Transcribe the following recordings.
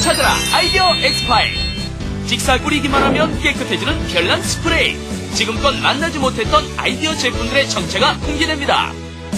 찾아라 아이디어 엑스파일. 직사 뿌리기만 하면 깨끗해지는 별난 스프레이. 지금껏 만나지 못했던 아이디어 제품들의 정체가 공개됩니다.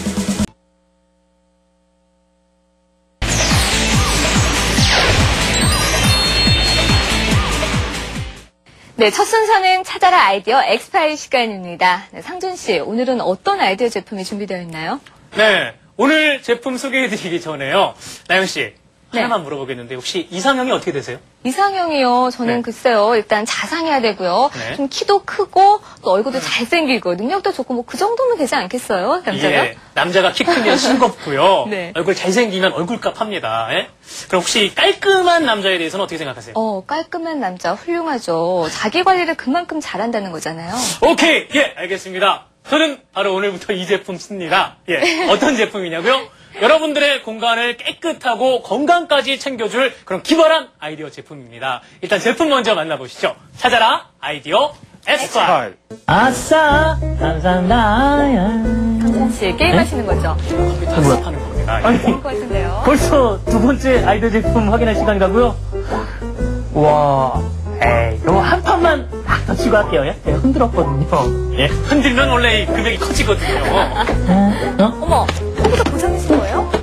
네, 첫 순서는 찾아라 아이디어 엑스파일 시간입니다. 네, 상준 씨, 오늘은 어떤 아이디어 제품이 준비되어 있나요? 네, 오늘 제품 소개해드리기 전에요. 나영 씨, 네. 하나만 물어보겠는데 혹시 이상형이 어떻게 되세요? 이상형이요. 저는 네. 글쎄요. 일단 자상해야 되고요. 네. 좀 키도 크고 또 얼굴도 잘생기고 능력도 좋고 뭐 그 정도면 되지 않겠어요? 남자가? 예, 남자가 키 크면 싱겁고요. 네. 얼굴 잘생기면 얼굴값 합니다. 예? 그럼 혹시 깔끔한 남자에 대해서는 어떻게 생각하세요? 깔끔한 남자 훌륭하죠. 자기 관리를 그만큼 잘한다는 거잖아요. 오케이, 예, 알겠습니다. 저는 바로 오늘부터 이 제품 씁니다. 예, 어떤 제품이냐고요? 여러분들의 공간을 깨끗하고 건강까지 챙겨줄 그런 기발한 아이디어 제품입니다. 일단 제품 먼저 만나보시죠. 찾아라 아이디어 엑스파일. 아싸 감사합니다. 상준 씨, 게임하시는 거죠? 컴퓨터 수업하는 겁니다. 예. 아니 그럴 것 같은데요. 벌써 벌써 두 번째 아이디어 제품 확인할 시간이라고요? 와, 에이, 이거 한 판만 딱 더 치고 할게요. 예? 제가 흔들었거든요. 예? 흔들면 원래 이 금액이 커지거든요. 어머, 컴퓨터 고장내신 거예요?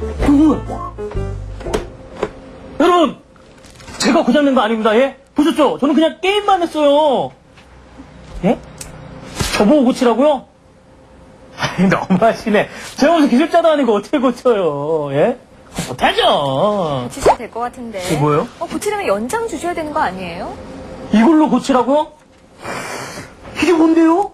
여러분, 제가 고장낸 거 아닙니다. 예? 보셨죠? 저는 그냥 게임만 했어요. 예? 저보고 고치라고요? 아니, 너무하시네. 제가 무슨 기술자도 아니고 어떻게 고쳐요? 예? 못하죠. 고치셔야 될 것 같은데. 이게 뭐예요? 고치려면 연장 주셔야 되는 거 아니에요? 이걸로 고치라고요? 이게 뭔데요?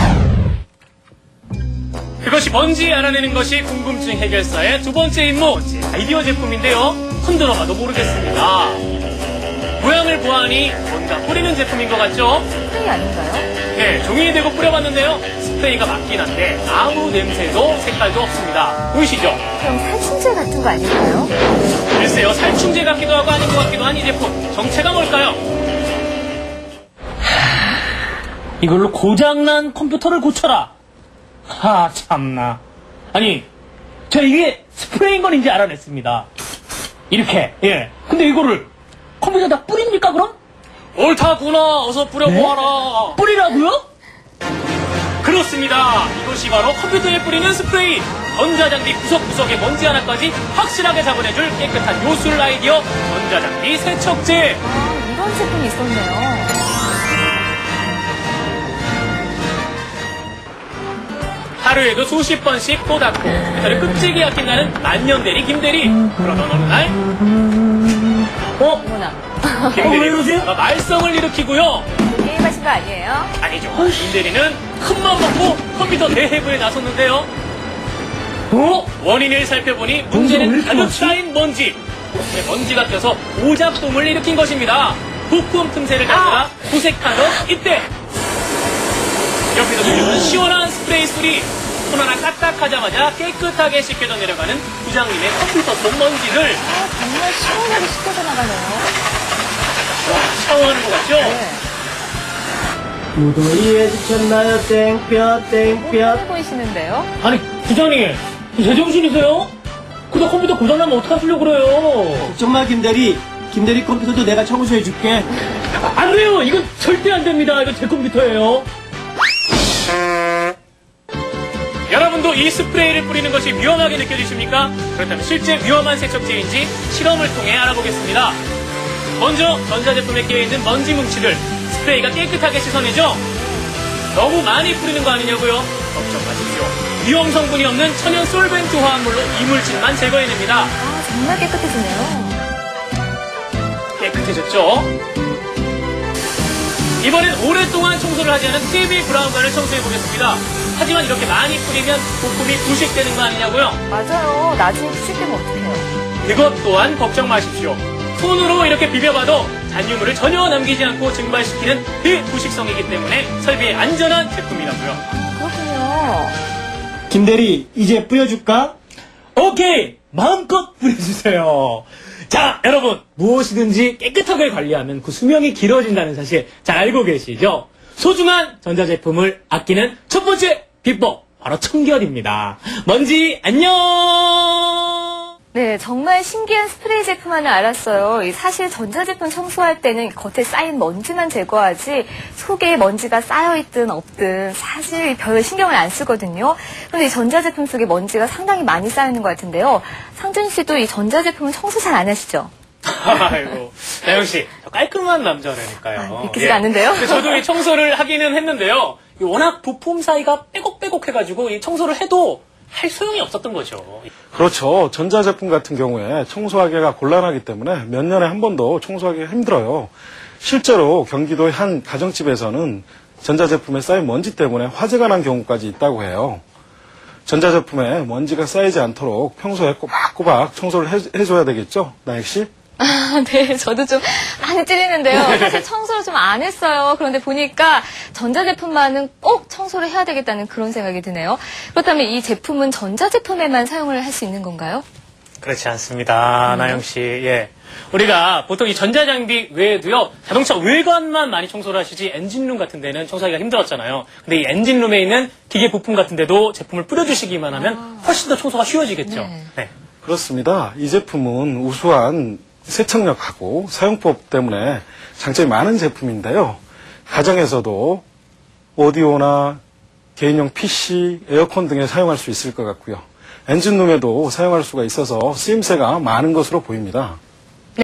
그것이 뭔지 알아내는 것이 궁금증 해결사의 두 번째 임무, 아이디어 제품인데요. 흔들어봐도 모르겠습니다. 모양을 보아하니 뭔가 뿌리는 제품인 것 같죠? 스프레이 아닌가요? 네, 종이에 대고 뿌려봤는데요. 스프레이가 맞긴 한데 아무 냄새도 색깔도 없습니다. 보이시죠? 그럼 살충제 같은 거 아닐까요? 글쎄요, 살충제 같기도 하고 아닌 것 같기도 한 이 제품. 정체가 뭘까요? 이걸로 고장난 컴퓨터를 고쳐라. 하, 참나. 아니, 저 이게 스프레이인 건 이제 알아냈습니다. 이렇게, 예. 근데 이거를 컴퓨터에다 뿌립니까, 그럼? 옳다구나. 어서 뿌려보아라. 뿌리라고요? 그렇습니다. 이것이 바로 컴퓨터에 뿌리는 스프레이. 전자장비 구석구석의 먼지 하나까지 확실하게 잡아내줄 깨끗한 요술 아이디어 전자장비 세척제. 이런 제품이 있었네요. 하루에도 수십 번씩 또 닦고 컴퓨터를 끔찍이 아낀다는 만년대리 김대리. 그러던 어느 날 어머나. 왜 이러세요? 김대리가 말썽을 일으키고요. 게임하신 거 아니에요? 아니죠. 김대리는 큰맘 먹고 컴퓨터 대해부에 나섰는데요. 원인을 살펴보니 문제는 가득 쌓인 먼지. 먼지가 껴서 오작동을 일으킨 것입니다. 부품 틈새를 잡느라 구색하던 이때 옆에서 들려오는 시원한 스프레이 소리. 손 하나 까딱하자마자 깨끗하게 씻겨져 내려가는 부장님의 컴퓨터 속 먼지를 정말 시원하게 씻겨져 나가네요. 샤워하는 것 같죠? 무더위에 지쳤나요? 땡볕 땡볕. 해 보이시는데요? 아니, 부장님, 제정신이세요? 그저 컴퓨터 고장나면 어떡하시려고 그래요? 걱정 마 김대리. 김대리 컴퓨터도 내가 청소해줄게. 안 돼요! 이건 절대 안 됩니다. 이거 제 컴퓨터예요. 여러분도 이 스프레이를 뿌리는 것이 위험하게 느껴지십니까? 그렇다면 실제 위험한 세척제인지 실험을 통해 알아보겠습니다. 먼저 전자제품에 끼어있는 먼지 뭉치를 스프레이가 깨끗하게 씻어내죠? 너무 많이 뿌리는 거 아니냐고요? 걱정 마십시오. 위험 성분이 없는 천연 솔벤트 화합물로 이물질만 제거해냅니다. 정말 깨끗해지네요. 깨끗해졌죠? 이번엔 오랫동안 청소를 하지 않은 TV 브라운관을 청소해보겠습니다. 하지만 이렇게 많이 뿌리면 부품이 부식되는 거 아니냐고요? 맞아요. 나중에 부식되면 어떡해요? 그것 또한 걱정 마십시오. 손으로 이렇게 비벼봐도 잔유물을 전혀 남기지 않고 증발시키는 비부식성이기 때문에 설비에 안전한 제품이라고요. 그렇군요. 김대리 이제 뿌려줄까? 오케이! 마음껏 뿌려주세요. 자, 여러분, 무엇이든지 깨끗하게 관리하면 그 수명이 길어진다는 사실 잘 알고 계시죠? 소중한 전자제품을 아끼는 첫 번째 비법, 바로 청결입니다. 먼지, 안녕! 네, 정말 신기한 스프레이 제품 하나 알았어요. 사실 전자제품 청소할 때는 겉에 쌓인 먼지만 제거하지 속에 먼지가 쌓여있든 없든 사실 별 신경을 안 쓰거든요. 그런데 이 전자제품 속에 먼지가 상당히 많이 쌓이는 것 같은데요. 상준 씨도 이 전자제품은 청소 잘 안 하시죠? 아이고, 나영 씨, 저 깔끔한 남자라니까요. 믿기지가 않는데요? 근데 저도 이 청소를 하기는 했는데요. 이 워낙 부품 사이가 빼곡빼곡해가지고 이 청소를 해도 할 소용이 없었던 거죠. 그렇죠. 전자제품 같은 경우에 청소하기가 곤란하기 때문에 몇 년에 한 번도 청소하기가 힘들어요. 실제로 경기도의 한 가정집에서는 전자제품에 쌓인 먼지 때문에 화재가 난 경우까지 있다고 해요. 전자제품에 먼지가 쌓이지 않도록 평소에 꼬박꼬박 청소를 해줘야 되겠죠? 나혁 씨? 네, 저도 좀 많이 찔리는데요. 사실 청소를 좀 안 했어요. 그런데 보니까 전자제품만은 꼭 청소를 해야 되겠다는 그런 생각이 드네요. 그렇다면 이 제품은 전자제품에만 사용을 할 수 있는 건가요? 그렇지 않습니다, 나영 씨. 예. 우리가 보통 이 전자장비 외에도요, 자동차 외관만 많이 청소를 하시지 엔진룸 같은 데는 청소하기가 힘들었잖아요. 근데 이 엔진룸에 있는 기계 부품 같은 데도 제품을 뿌려주시기만 하면 훨씬 더 청소가 쉬워지겠죠. 네. 네. 그렇습니다. 이 제품은 우수한 세척력하고 사용법 때문에 장점이 많은 제품인데요. 가정에서도 오디오나 개인용 PC, 에어컨 등에 사용할 수 있을 것 같고요. 엔진룸에도 사용할 수가 있어서 쓰임새가 많은 것으로 보입니다.